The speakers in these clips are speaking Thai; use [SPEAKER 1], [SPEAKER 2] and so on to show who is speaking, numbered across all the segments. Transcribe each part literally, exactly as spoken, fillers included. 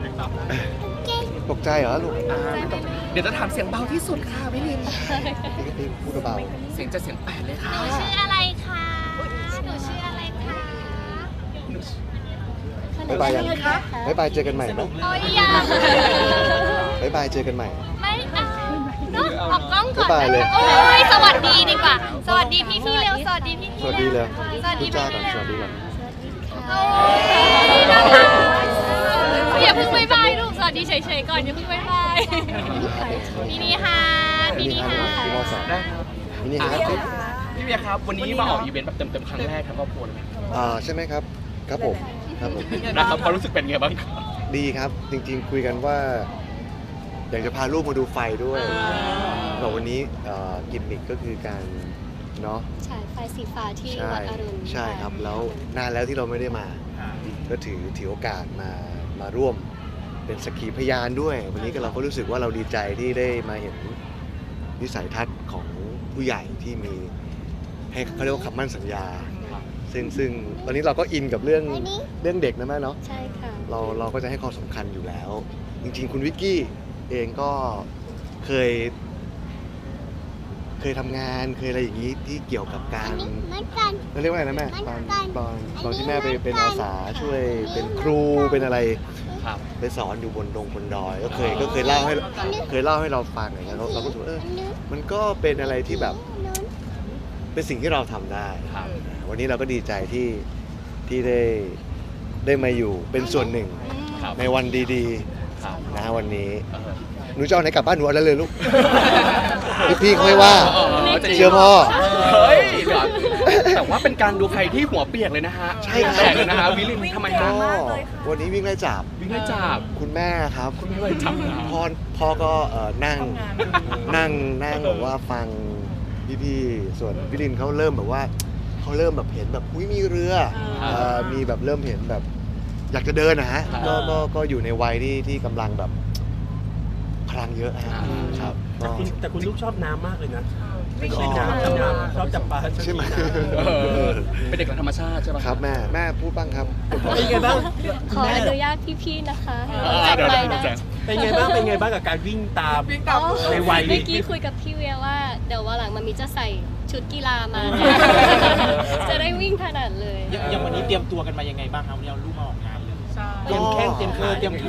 [SPEAKER 1] ตกใจเหรอลูก
[SPEAKER 2] เดี๋ยวจะถามเสียงเบาที่สุดค่ะพี่ลิน
[SPEAKER 1] พี่ก็พี่พูดเบา
[SPEAKER 2] เสียงจะเสียงแปดเลยค่ะ
[SPEAKER 3] หนูชื่ออะไรคะหนูชื่ออะไรคะ
[SPEAKER 1] บ๊ายบายยังบ๊ายบายเจอกันใหม่นะ
[SPEAKER 3] โอ้ยยัง
[SPEAKER 1] บ๊ายบายเจอกันใหม่
[SPEAKER 3] ไม่เอาเนาะออกกล้องก่อน
[SPEAKER 1] บ๊ายบายเลย
[SPEAKER 3] โอ้ยสวัสดีดีกว่า สวัสดีพี่พี่ๆเร็ว สวัสดีพี่
[SPEAKER 1] ส
[SPEAKER 3] พี่
[SPEAKER 1] วัสดีเลย
[SPEAKER 3] สวัสดี
[SPEAKER 1] จ้า
[SPEAKER 3] พี่
[SPEAKER 1] ก่อน
[SPEAKER 3] พี่
[SPEAKER 1] สวัสดีก่อน
[SPEAKER 3] โอ้ยน่ารักอย่าเพิ่งบ๊ายบายลูก สวัสดีเฉยๆก่อนอย่าเพิ่งบ๊ายบายพี่นี่ฮาพี่นี่ฮา
[SPEAKER 1] พี่มอสอง
[SPEAKER 2] ได้ครับ
[SPEAKER 1] มินิฮาร์ดครับ
[SPEAKER 2] พี่เบียร์ครับวันนี้มาออกอีเวนต์แบบเต็มๆครั้งแรกทั้งครอบครัวเลยไหม
[SPEAKER 1] อ่าใช่ไหมครับ ครับผม ครับผม
[SPEAKER 2] นะครับความรู้สึกเป็นไงบ้างครับ
[SPEAKER 1] ดีครับ จริงๆคุยกันว่า อยากจะพาลูกมาดูไฟด้วยแต่วันนี้เอ่อกิมมิคก็คือการเนาะ
[SPEAKER 4] ฉายไฟสีฟ้าที่
[SPEAKER 1] ใช่
[SPEAKER 4] วัดอรุณ
[SPEAKER 1] ใช่ครับ แล้วนานแล้วที่เราไม่ได้มา ก็ถือถือโอกาสมามาร่วมเป็นสักขีพยานด้วย วันนี้ก็เราก็รู้สึกว่าเราดีใจที่ได้มาเห็นวิสัยทัศน์ของผู้ใหญ่ที่มีให้เขาเรียกว่าคำมั่นสัญญา ซึ่งซึ่งตอนนี้เราก็อินกับเรื่องเรื่องเด็กนะแม่เนาะ
[SPEAKER 4] ใช่ค่ะ
[SPEAKER 1] เราเราก็จะให้ความสำคัญอยู่แล้ว จริงๆ คุณวิกกี้เองก็เคย เคยทำงานเคยอะไรอย่างนี้ที่เกี่ยวกับการเราเรียกว่าอะไรนะแม่ตอนตอนตอนที่แม่ไปเป็นอาสาช่วยเป็นครูเป็นอะไร
[SPEAKER 2] ครับ
[SPEAKER 1] ไปสอนอยู่บนดงบนดอยก็เคยก็เคยเล่าให้เคยเล่าให้เราฟังอย่างเงี้ยเราเราก็รู้สึกว่าเออมันก็เป็นอะไรที่แบบเป็นสิ่งที่เราทำได้
[SPEAKER 2] ครับ
[SPEAKER 1] วันนี้เราก็ดีใจที่ที่ได้ได้มาอยู่เป็นส่วนหนึ่ง
[SPEAKER 2] ครับ
[SPEAKER 1] ในวันดี
[SPEAKER 2] ครับ
[SPEAKER 1] ๆนะวันนี้
[SPEAKER 2] เออ
[SPEAKER 1] หนูจะเอาไหนกลับบ้านหนูเอาได้เลยลูก พี่พี่เขาไม่ว่า
[SPEAKER 2] เออจะดี
[SPEAKER 1] เชื่อพ่อ
[SPEAKER 2] เฮ้ยเดี๋ยวแต่ว่าเป็นการดูใครที่หัวเปียกเลยนะฮะ
[SPEAKER 1] ใช่ครับ
[SPEAKER 2] แตกเลยนะฮะวิลินทำไม
[SPEAKER 1] ก็
[SPEAKER 2] ฮะ
[SPEAKER 1] วันนี้วิ่งไล่จับ
[SPEAKER 2] วิ่งไล่จับ
[SPEAKER 1] คุณแม่ครับ
[SPEAKER 2] คุณไม่ไล่จับนะ
[SPEAKER 1] พ่อพ่อก็เอ่อนั่งนั่งนั่งแบบว่าฟังพี่ๆส่วนวิลินเขาเริ่มแบบว่าเขาเริ่มแบบเห็นแบบอุ้ยมีเรือเอ่อมีแบบเริ่มเห็นแบบ อยากจะเดินนะฮะก็ก็ก็อยู่ในวัยที่ที่กำลังแบบพลังเยอะฮะครับ
[SPEAKER 5] แต่
[SPEAKER 1] ก็
[SPEAKER 5] คุณแต่คุณลูกชอบน้ำมากเลยนะไม่ชอบน้ำชอบน้ำชอบจับปลา
[SPEAKER 1] ใช่ไหม
[SPEAKER 2] เออเป็นเด็กของธรรมชาติใช่ไหม
[SPEAKER 1] ครับแม่แม่พูดบ้างครับ
[SPEAKER 5] เป็นไงบ้าง
[SPEAKER 4] ขออนุญาตพี่ๆนะคะให้
[SPEAKER 2] เอ
[SPEAKER 4] เรา
[SPEAKER 2] อ
[SPEAKER 4] จับ
[SPEAKER 2] เดี๋ยว
[SPEAKER 4] ไป
[SPEAKER 2] เดี๋ยว
[SPEAKER 4] ได้
[SPEAKER 2] เดี๋ยว
[SPEAKER 5] เป็นไงบ้างเป็นไงบ้างกับการวิ่งตาม
[SPEAKER 4] อ๋อ
[SPEAKER 5] ในวัยนี้
[SPEAKER 4] เมื่อกี้คุยกับพี่เวียว่าเดี๋ยววันหลังมันมีจะใส่ชุดกีฬามา จะได้วิ่งถนัดเลย
[SPEAKER 6] อย่างวันนี้เตรียมตัวกันมายังไงบ้างครับวันนี้เอาลูกมาออกงานเลย
[SPEAKER 5] เตรียมแข้งเตรียมขาเตรียม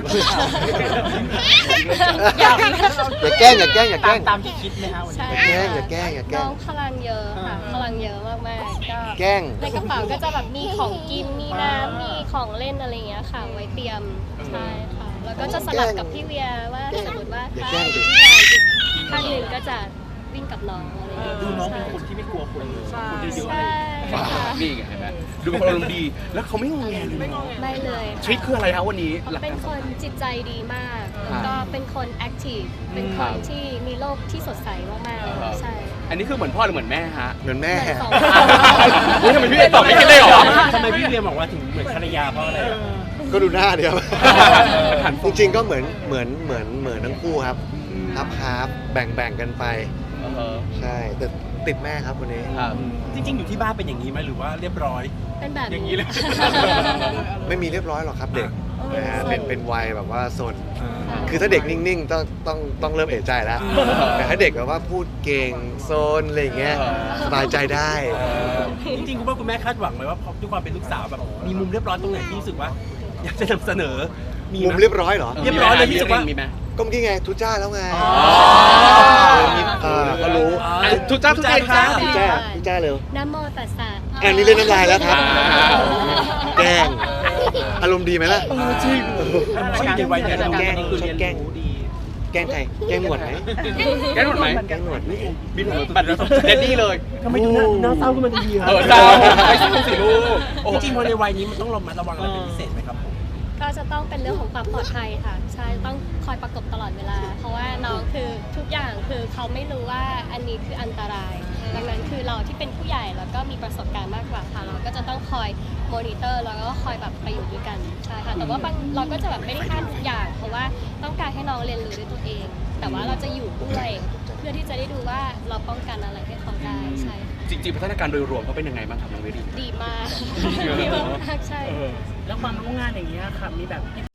[SPEAKER 1] อย่าแกล้งอย่าแกล้งอย่าแก
[SPEAKER 6] ตา
[SPEAKER 1] ล้
[SPEAKER 6] ม
[SPEAKER 1] ง
[SPEAKER 6] ตามที่คิดไหมฮะวัน
[SPEAKER 4] ใช่
[SPEAKER 6] นี้
[SPEAKER 1] อย่าแกล้งอย่าแกล้งอย่าแกล้
[SPEAKER 4] น้อง งพลังเยอะค่ะ พลังเยอะมากๆก็
[SPEAKER 1] แกล้ง
[SPEAKER 4] ในกระเป๋าก็จะแบบมีของกิน มีน้ำ มีของเล่นอะไรอย่างเงี้ยค่ะ ไว้เตรียม ใช่ค่ะ แล้วก็จะสลับกับพี่เวียว่าสมมติว่า
[SPEAKER 1] อย่า
[SPEAKER 4] ถ้า
[SPEAKER 1] แกล้งดิ
[SPEAKER 4] ที่งานอีกข้างหนึ่งก็จะวิ่งกับน้องอะไรอย่างเงี้ย
[SPEAKER 6] ดูน้องเป็นคนที่ไม่กลัวคนเลยคนเยอะๆ
[SPEAKER 4] ใช่
[SPEAKER 6] เลย
[SPEAKER 4] ค่ะ
[SPEAKER 2] นี่ไงเห็นไหมดูเป็นคนอารมณ์ดี แล้วเขาไม่งงแงเลยเนาะ
[SPEAKER 4] ไม่เลย
[SPEAKER 2] ทริคคืออะไรครับวันนี้หลัก
[SPEAKER 4] เป็น
[SPEAKER 2] การ
[SPEAKER 4] คนจิตใจดีมาก แล้วก็เป็นคนแอคทีฟ เป็นค
[SPEAKER 2] ครั
[SPEAKER 4] น
[SPEAKER 2] บ
[SPEAKER 4] ที่มีโลกที่สดใสมากๆใช่
[SPEAKER 2] อันนี้คือเหมือนพ่อหรือเหมือนแม่ฮะ
[SPEAKER 1] เหมือนแม่
[SPEAKER 4] เหมือนสอง
[SPEAKER 2] อุ๊ยทำไมพี่ตอบไม่คิดเลยเหรอ
[SPEAKER 5] ทำไมพี่เรียนบอกว่าถึงเหมือนภรรยาเพราะอะไรอะ
[SPEAKER 1] ก็ดูหน้าเดียว
[SPEAKER 2] หัน
[SPEAKER 1] จริงๆก็เหมือนเหมือนเหมือนเหมือนทั้งคู่ครับฮาร์ฟฮาร์ฟแบ่งแบ่งกันไป
[SPEAKER 2] เออ
[SPEAKER 1] ใช่แต่ติดแม่ครับวันนี้
[SPEAKER 2] ครับ
[SPEAKER 5] จริงๆอยู่ที่บ้านเป็นอย่างนี้ไหมหรือว่าเรียบร้อย
[SPEAKER 4] เป็นแบบ
[SPEAKER 5] อย่างนี้เลย
[SPEAKER 1] ไม่มีเรียบร้อยหรอกครับเด็กนะฮะ
[SPEAKER 4] เออ
[SPEAKER 1] เป็นเป็นวัยแบบว่าสน คือถ้าเด็กนิ่งๆต้องต้องต้องเริ่มเอะใจแล้ว แต่ถ้าเด็กแบบว่าพูดเก่งโซนอะไรอย่างเงี้ยสบายใจได้
[SPEAKER 5] จริงๆคุณพ่อคุณแม่คาดหวังไหมว่าพอด้วยความเป็นลูกสาวแบบมีมุมเรียบร้อยตรงไหนที่รู้สึกว่า อยากจะนำเสนอมีไห
[SPEAKER 1] มุมเรียบร้อยเหรอ
[SPEAKER 5] เรียบร้อยเลยที่สุดว่า
[SPEAKER 2] มีไหม
[SPEAKER 1] ก็เมื่อกี้ไงทุจ้าแล้วไง
[SPEAKER 5] อ๋อ
[SPEAKER 1] เออก็รู้
[SPEAKER 2] อ่ะทุกจ้าทุกใจครับ
[SPEAKER 1] ทุจ้าทุจ้าเร็ว
[SPEAKER 4] นะโมตัสสะ
[SPEAKER 1] อันนี้เล่นน้ำลายแล้วครับ
[SPEAKER 2] อ่า
[SPEAKER 1] แกล้งอารมณ์ดีไหมล่ะ
[SPEAKER 5] จริงเขาอยู่ในวัยนี้เรา
[SPEAKER 1] แกล้ง
[SPEAKER 5] คือเรียน
[SPEAKER 1] แกล้ง
[SPEAKER 5] รู้ดี
[SPEAKER 1] แกล้งใครแกล้งหนวดไหม
[SPEAKER 2] แกหนวดไหม
[SPEAKER 1] แกล้งหนวดไหม
[SPEAKER 2] บินหัวบัตรเดดดี้เลย
[SPEAKER 5] ทำไมดูหน้าหน้าเศร้าขึ้นมาดีๆครั
[SPEAKER 2] เออเศร้าไม่ใช่สิลูกโอ้
[SPEAKER 5] จริงๆพอในวัยนี้มันต้องระมัดระวังอะไรเป็นพิเศษไหมครับผม
[SPEAKER 4] ก็จะต้องเป็นเรื่องของความปลอดภัยค่ะ ใช่ต้องคอยประกบตลอดเวลา เพราะว่าน้องคือทุกอย่างคือเขาไม่รู้ว่าอันนี้คืออันตราย ดังนั้นคือเราที่เป็นผู้ใหญ่แล้วก็มีประสบการณ์มากกว่าค่ะเราก็จะต้องคอยมอนิเตอร์แล้วก็คอยแบบไปอยู่ด้วยกันใช่ค่ะแต่ว่าบางเราก็จะแบบไม่ได้ห้ามทุกอย่าง เพราะว่าต้องการให้น้องเรียนรู้ด้วยตัวเอง แต่ว่าเราจะอยู่ด้วยเพื่อที่จะได้ดูว่าเราป้องกันอะไรให้เขาได้ใช่ค่ะ
[SPEAKER 2] จริงๆพัฒนาการโดยรวมเขาเป็นยังไงบ้างครับน้องเวดี
[SPEAKER 4] ดีมาก ดีมากใช่
[SPEAKER 6] แล้วความรู้งานอย่างเงี้ยค่ะมีแบบพิเตอร์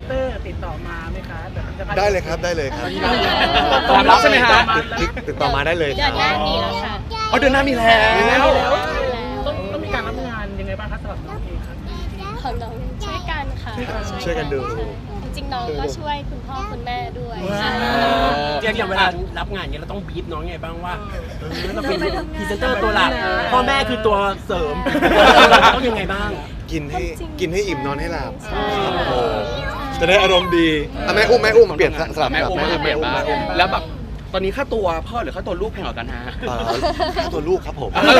[SPEAKER 6] ติดต่อมาไหมคะแบบจะพา
[SPEAKER 1] ได้เลยครับได้เลยครับ
[SPEAKER 2] พร้อมรับใช่ไหมฮะ
[SPEAKER 1] ติดติดต่อมาได้เลย
[SPEAKER 4] เดือนหน้ามีแล้วค่ะ
[SPEAKER 2] เอาเดือนหน้ามีแล้ว
[SPEAKER 6] ต้องต้องมีการรับงานยังไงบ้างคะสำหรับน้องเองครับ
[SPEAKER 4] ของน้องช่วยกันค่ะ
[SPEAKER 1] ช่วยกันดู
[SPEAKER 4] จริงๆน้องก็ช่วยคุณพ่อคุณแม่ด้วย
[SPEAKER 5] เรียกอย่างเวลารับงานเนี้ยเราต้องบีบน้องไงบ้างว่าเออเราเป็นพรีเซนเตอร์ตัวหลักพ่อแม่คือตัวเสริมต้องยังไงบ้าง
[SPEAKER 1] กินให้กินให้อิ่มนอนให้หลับ
[SPEAKER 4] ใช่
[SPEAKER 1] โอ้จะได้อารมณ์ดีอ่ะแม่อุ้มแม่อุ้มมาเปลี่ยนสลับ
[SPEAKER 2] แม่อุ้ม
[SPEAKER 1] แม่
[SPEAKER 2] แม่
[SPEAKER 1] อุ้ม
[SPEAKER 2] เปลี่
[SPEAKER 1] แม่
[SPEAKER 2] ยน
[SPEAKER 1] อุ้ม
[SPEAKER 2] บ้าง
[SPEAKER 1] แม่อุ้ม
[SPEAKER 2] แล้วแบบตอนนี้ค่าตัวพ่อหรือค่าตัวลูกแพงกว่ากันฮะ
[SPEAKER 1] เอ่อค่าตัวลูกครับผม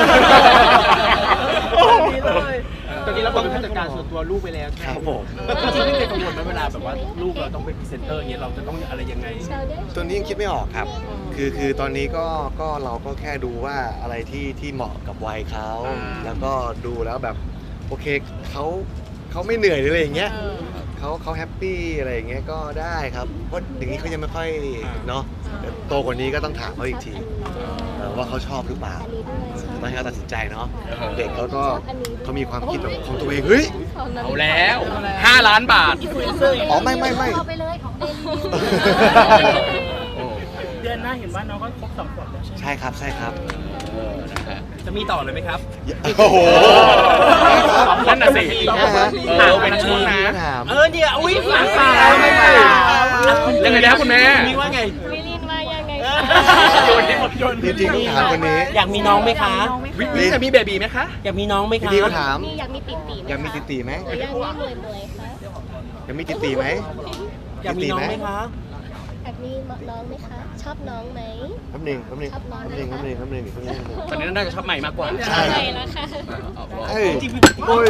[SPEAKER 6] ตอนนี้เราเป็นผู้จัดการส่วนตัวลูกไปแล้ว
[SPEAKER 1] ครับผม
[SPEAKER 5] จริงๆไม่เคยกังวลไหมเวลาแบบว่าลูกเราต้องเป็นพรีเซนเตอร์เงี้ยเราจะต้องอะไรยังไง
[SPEAKER 1] ตัวนี้ยังคิดไม่ออกครับ คือคือตอนนี้ก็ก็เราก็แค่ดูว่าอะไรที่ที่เหมาะกับวัยเขา
[SPEAKER 2] อ่า
[SPEAKER 1] แล้วก็ดูแล้วแบบโอเคเขาเขาไม่เหนื่อยหรืออะไรอย่างเงี้ยเขาเขาแฮปปี้อะไรอย่างเงี้ยก็ได้ครับเพราะอย่างนี้เขายังไม่ค่อยเนาะเดี๋ยวโตกว่านี้ก็ต้องถามเขาอีกทีเออว่าเขาชอบหรือเปล่าตอนให้เขาตัดสินใจเนาะเด็กเขาก็เขามีความคิดแบบของตัวเองเฮ้ย
[SPEAKER 2] เอาแล้วห้าล้านบาท
[SPEAKER 1] อ๋อไม่ไม่ไม่
[SPEAKER 4] เอาไปเลยของเดลี่
[SPEAKER 2] โอ้
[SPEAKER 6] เดือนหน้าเห็นว่าน้องก็ครบสองขวบแล้วใช่ไหม
[SPEAKER 1] ใช่ครับใช่ครับ
[SPEAKER 2] นะฮะ
[SPEAKER 5] จะมีต่อเลยไหมครับ
[SPEAKER 1] โอ้โห
[SPEAKER 2] นั่นน่ะสิ
[SPEAKER 1] นะฮะ
[SPEAKER 2] เออเป็นช่วงนะ
[SPEAKER 1] ถาม
[SPEAKER 5] เออเนี่ยอุ้ยฝังตา
[SPEAKER 1] ไม่ไม่
[SPEAKER 2] ยังไงนะคุณแม่
[SPEAKER 5] มีว่าไง
[SPEAKER 4] วิลินว่ายังไง
[SPEAKER 5] โยนให้หมดโยน
[SPEAKER 1] จริงๆต้องถามคนนี้
[SPEAKER 5] อยากมีน้องไหมคะ
[SPEAKER 2] วิวิจะมีเบบีไหมคะ
[SPEAKER 5] อยากมีน้องไหมคะ
[SPEAKER 1] พี่ก็ถาม
[SPEAKER 4] นี่อยากมีติ่ตีไหม
[SPEAKER 1] อยากมีติตีไหม
[SPEAKER 4] หรือยังไม่รวยรวยคะ
[SPEAKER 1] อยากมีติตีไหม
[SPEAKER 5] อยากมีน้องไหมคะ
[SPEAKER 4] อยากมีน้องไหมคะ ชอบน้องไหม
[SPEAKER 1] แป๊บหนึงแป๊บหนึง
[SPEAKER 4] ชอบน้อง
[SPEAKER 1] แป๊บหนึง
[SPEAKER 4] ไหม
[SPEAKER 1] แป๊บหนึงแป๊บหนึงแป๊บหนึง
[SPEAKER 2] ตอนนี้น่าจะชอบใหม่มากกว่า
[SPEAKER 1] ใช่
[SPEAKER 4] ใช่แล้วค่ะ
[SPEAKER 1] เฮ้ยโอ้ย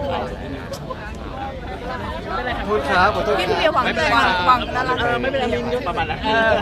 [SPEAKER 1] ขอโทษครับขอโทษครับ
[SPEAKER 2] ไม่เป็นไรครับ
[SPEAKER 5] เออไม่เป็นไรมีประมาณนั้นเออ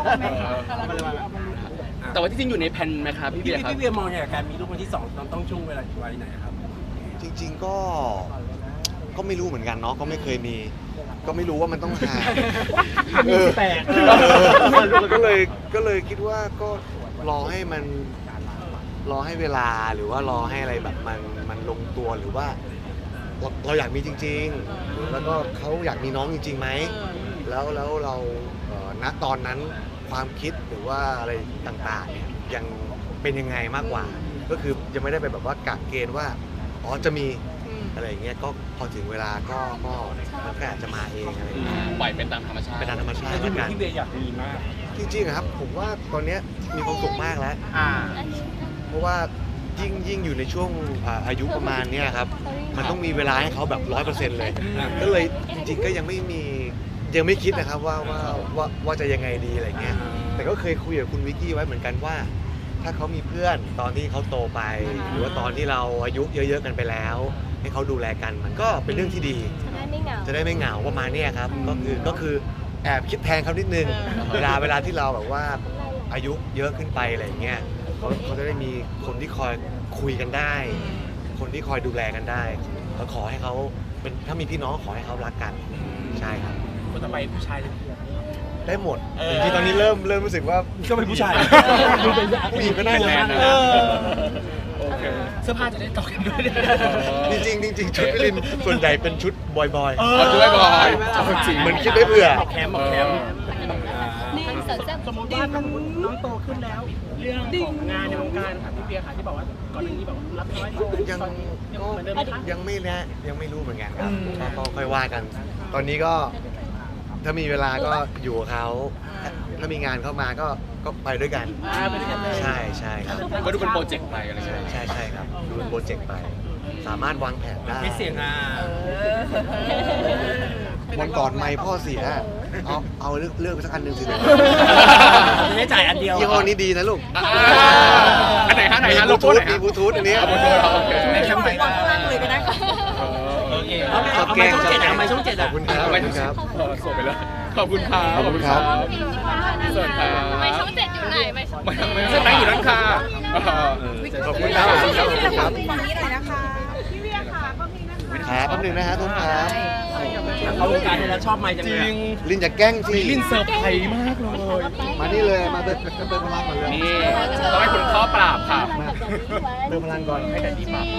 [SPEAKER 2] แต่ว่าที่จริงอยู่ในแผนไหมครับพี่
[SPEAKER 5] พี่
[SPEAKER 2] เบียร์ครับ
[SPEAKER 5] พี่เวียมองอย่างการมีลูกคนที่สองต้องต้องช่วงเวลาวัยไหนครับ
[SPEAKER 1] จริง ๆก็ก็ไม่รู้เหมือนกันเนาะก็ไม่เคยมี ก็ไม่รู้ว่ามันต้องหา
[SPEAKER 5] มีแปลก
[SPEAKER 1] เออก็เลยก็เลยคิดว่าก็รอให้มันรอให้เวลาหรือว่ารอให้อะไรแบบมันมันลงตัวหรือว่า เราเราอยากมีจริง ๆ แล้วก็เขาอยากมีน้องจริงๆไหมแล้วแล้วเราเอ่อณตอนนั้นความคิดหรือว่าอะไรต่างๆเนี่ยยังเป็นยังไงมากกว่า ก็คือยังไม่ได้ไปแบบว่ากะเกณฑ์ว่าอ๋อจะมีอะไรอย่างเงี้ยก็พอถึงเวลาก็ก็มันก็อาจจะมาเองอะไรอย่างเงี้ย
[SPEAKER 2] ปล่อยเป็นตามธรรมชาติ
[SPEAKER 1] เป็นตามธรรมชาติ
[SPEAKER 5] แต่
[SPEAKER 1] แล้ว
[SPEAKER 5] ที่
[SPEAKER 1] กัน
[SPEAKER 5] พี่เวียอยากมีมาก
[SPEAKER 1] จริงๆอะครับผมว่าตอนเนี้ยมีความสุขมากแล้ว
[SPEAKER 6] อ่า
[SPEAKER 1] เพราะว่ายิ่งยิ่งอยู่ในช่วงอ่าอายุประมาณเนี้ยครับมันต้องมีเวลาให้เขาแบบร้อยเปอร์เซ็นต์เลย ก็เลยจริงๆก็ยังไม่มียังไม่คิดนะครับว่าว่าว่าว่าจะยังไงดีอะไรเงี้ยแต่ก็เคยคุยกับคุณวิกกี้ไว้เหมือนกันว่า ถ้าเขามีเพื่อนตอนที่เขาโตไป หรือว่าตอนที่เราอายุเยอะๆกันไปแล้ว ให้เขาดูแลกันมันก็เป็นเรื่องที่ดี
[SPEAKER 4] จะได้ไม่เหงา
[SPEAKER 1] จะได้ไม่เหงาประมาณเนี้ยครับก็คือก็คือแอบคิดแทนเขานิดนึงเวลาเวลาที่เราแบบว่าอายุเยอะขึ้นไปอะไรอย่างเงี้ยเขาเขาจะได้มีคนที่คอยคุยกันได้ คนที่คอยดูแลกันได้แล้วขอให้เขาเป็นถ้ามีพี่น้องขอให้เขารักกันใช่ครับ
[SPEAKER 6] คนต่อไปผู้ชายเลย
[SPEAKER 1] ได้หมดจริงๆตอนนี้เริ่มเริ่มรู้สึกว่า
[SPEAKER 5] ก็เป็นผู้ชาย
[SPEAKER 1] ผู้หญิงก็ได้นะ
[SPEAKER 5] เออ
[SPEAKER 2] โอเค
[SPEAKER 6] เสื้อผ้าจะได้ต่อกันด้วย
[SPEAKER 1] จริงๆจริงๆชุดวิลินส่วนใหญ่เป็นชุดบอย
[SPEAKER 2] เอาช่วยบอย
[SPEAKER 1] เหมือนคิดได้เผื่อ
[SPEAKER 5] แคมป์บอกแคมป์
[SPEAKER 4] นี่สนใจ
[SPEAKER 6] สมมติว่าน้องน้องโตขึ้นแล้ว เรื่องของงานในวงการค่ะพี่เบียร์ค่ะที่บอกว่าก่อนหน้านี้แบบรับน้อย
[SPEAKER 1] ยัง
[SPEAKER 6] ตอนนี้ยัง
[SPEAKER 1] ก็
[SPEAKER 6] เหมือนเดิมไหมคะ
[SPEAKER 1] ยังไม่แน่ยังไม่รู้เหมือนกันครับก็ก็ค่อยว่ากัน ตอนนี้ก็ถ้ามีเวลาก็อยู่กับเขาถ้ามีงานเข้ามาก็ก็ไปด้วยกัน
[SPEAKER 6] อ่าไปด้วยกันเลย
[SPEAKER 1] ใช่ใช่ครับ
[SPEAKER 2] ก็ดูเป็นโปรเจกต์ไปอะไร
[SPEAKER 1] ใช่
[SPEAKER 2] เงี้ย
[SPEAKER 1] ใช่ใช่ครับดูเป็นโปรเจกต์ไป สามารถวางแผนได้
[SPEAKER 5] ไม่เสียงอ่ะ
[SPEAKER 1] วันก่อนไม่พ่อเสียเอาเอาเลือกเลือกไปสักอันหนึ่งสิ
[SPEAKER 5] จะได้จ่ายอันเดียว
[SPEAKER 1] ยี่ห้อนี้ดีนะลูก
[SPEAKER 2] อ่าอันไหนฮะไหน
[SPEAKER 1] มี
[SPEAKER 2] ฮะ
[SPEAKER 1] บ
[SPEAKER 2] โล
[SPEAKER 1] ลู
[SPEAKER 2] โก้
[SPEAKER 1] ทู
[SPEAKER 2] ไห
[SPEAKER 1] ธ
[SPEAKER 2] น
[SPEAKER 1] มี
[SPEAKER 2] ฮะ
[SPEAKER 1] บลูทูธอันนี้
[SPEAKER 2] เอาบนโทรโอเค
[SPEAKER 5] ไม่แคมป์ไปบ้าง
[SPEAKER 4] เลยก็ได้ค่ะ
[SPEAKER 5] โอเคเอาไปช่องเจ็ดเอาไปช่องเจ็ด
[SPEAKER 1] ขอ
[SPEAKER 5] อ่ะ
[SPEAKER 1] บคุณครับขอบคุณครับ
[SPEAKER 2] เออส่งไปเลยขอบคุณครับ
[SPEAKER 1] ขอบคุณครับ
[SPEAKER 2] สวัสดีครับ
[SPEAKER 3] ไม่ช่องเจ็ดอยู่ไหนไม่ช่อง
[SPEAKER 2] ไม่ไม่ใช่ไหมอยู่นั่นค่ะเออ
[SPEAKER 1] ขอบคุณครับขอบคุณครับขอบคุณครับ
[SPEAKER 7] ฝั่งนี้หน่อยนะคะพี่เวียค่ะก็มีนั่ง
[SPEAKER 1] ครับแป๊บหนึงนะฮะทุกครับ
[SPEAKER 5] เขาวงการเนี่ยแล้วชอบไม้จัง
[SPEAKER 2] จ
[SPEAKER 5] เล
[SPEAKER 2] ริ
[SPEAKER 5] ย
[SPEAKER 2] ง
[SPEAKER 1] ลินจะแกล้งสิ
[SPEAKER 2] มีลินเซอร์ไพรส์มากเลย
[SPEAKER 1] มานี่เลยมาเติมเติมพลังก่อนเลย
[SPEAKER 2] นี่ต้องให้คุณพ่อปราบค่ะ
[SPEAKER 1] เติมพลังก่อนให้แต่ดีป่ะ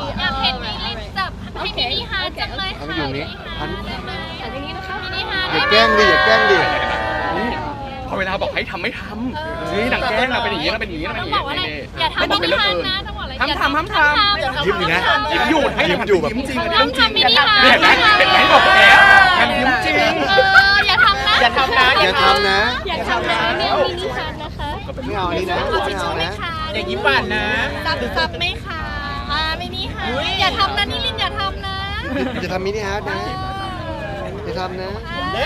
[SPEAKER 3] อยากเห็นมีลินจับให้มินิฮาร์ทจังเลย
[SPEAKER 1] เอา
[SPEAKER 3] ค่ะ
[SPEAKER 1] ไปอยู่นี้พัน
[SPEAKER 3] ได้ไหม
[SPEAKER 4] อันนี้นะคะ
[SPEAKER 3] มินิฮาร์ท
[SPEAKER 1] หยุแกล้งดิอย่าแกล้งดิ
[SPEAKER 2] นี่พอเวลาบอกให้ทำไม่ทำนี่หนังแกล้งเราเป็นอย่างนี้เราเป็นอย่างนี้เราเป็น
[SPEAKER 3] ต้
[SPEAKER 2] อ
[SPEAKER 3] อง
[SPEAKER 2] ย่าง
[SPEAKER 3] บอกว่าอะไร
[SPEAKER 2] นี้
[SPEAKER 3] อย่าทำ
[SPEAKER 2] ไม่
[SPEAKER 3] มิ
[SPEAKER 2] ต้อง
[SPEAKER 3] นิ
[SPEAKER 2] เป็นเรื่อง
[SPEAKER 3] ฮัน
[SPEAKER 2] อื่น
[SPEAKER 3] นะต้องบอกอะไร
[SPEAKER 2] ทำทำทำทำ
[SPEAKER 1] ยิ้มอยู่นะ
[SPEAKER 2] ยิ้มอยู่ให้
[SPEAKER 1] ยิ้มอยู่แบบ
[SPEAKER 2] ยิ้มจริง
[SPEAKER 3] ทำทำมินิฮัน
[SPEAKER 2] เห็นไหมเห็นไหมบอกแล้วมันยิ้มจริง
[SPEAKER 3] เอออย่าทำนะ
[SPEAKER 2] อย่าทำนะ
[SPEAKER 1] อย่าทำนะ
[SPEAKER 4] อยากทำนะไม่เอามินิฮันนะคะ
[SPEAKER 1] ไม่เอาอันนี้นะ
[SPEAKER 3] เอาทิ
[SPEAKER 1] ไม่
[SPEAKER 3] ช
[SPEAKER 1] เอา
[SPEAKER 3] ชู่ไหม
[SPEAKER 1] นะ
[SPEAKER 3] คะ
[SPEAKER 6] อย่างนี้ปั่นนะ
[SPEAKER 3] ซับซับไหมคะอ่ามินิฮันอย่าทำนะนิลินอย่าทำนะ
[SPEAKER 1] จะทำมินิฮาร์ดนะจะทำนะ
[SPEAKER 3] ได้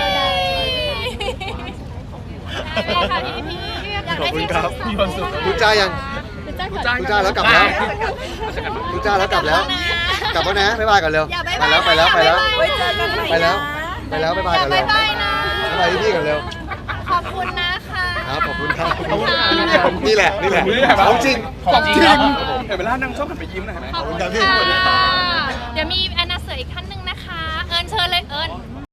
[SPEAKER 3] ค่ะพี่พี่อยาก
[SPEAKER 1] ขอบ
[SPEAKER 3] ได้
[SPEAKER 1] คุณ
[SPEAKER 3] ที่
[SPEAKER 1] ครับ
[SPEAKER 3] มีความสุข
[SPEAKER 1] พูดจ้ายัง
[SPEAKER 4] คุณจ้าก่อน
[SPEAKER 1] พูดจ้าแล้วกลับแล้วพูดจ้าแล้วกลับแล้ว กลับแล้วนะบ๊ายบายก่อนเร็ว
[SPEAKER 3] อย่า
[SPEAKER 1] ไป
[SPEAKER 3] บ๊ายบาย
[SPEAKER 1] แล้วไปแล้วไปแล้ว
[SPEAKER 3] ไว้เจอกันใหม่
[SPEAKER 1] ไปแล้วไปแล้วบ๊ายบาย
[SPEAKER 3] อย่า
[SPEAKER 1] ก่อนเร็
[SPEAKER 3] บ๊ายว บายนะ
[SPEAKER 1] บ๊ายบายพี่ๆก่อนเร็ว
[SPEAKER 3] ขอบคุณนะคะ
[SPEAKER 1] ครับขอบคุณครับ
[SPEAKER 3] ขอบคุณค่ะ
[SPEAKER 1] นี่แหละนี่แหละ
[SPEAKER 2] นี่แหละ
[SPEAKER 1] ของจริง
[SPEAKER 2] ของจริงเห็นเวลานางชอบหันไปยิ้มนะเห็นไหม
[SPEAKER 3] ขอบคุณค่ะเดี๋ยวมีแอนนาเสืออีกท่านหนึ่งนะคะ เอิญเชิญเลยเอิญ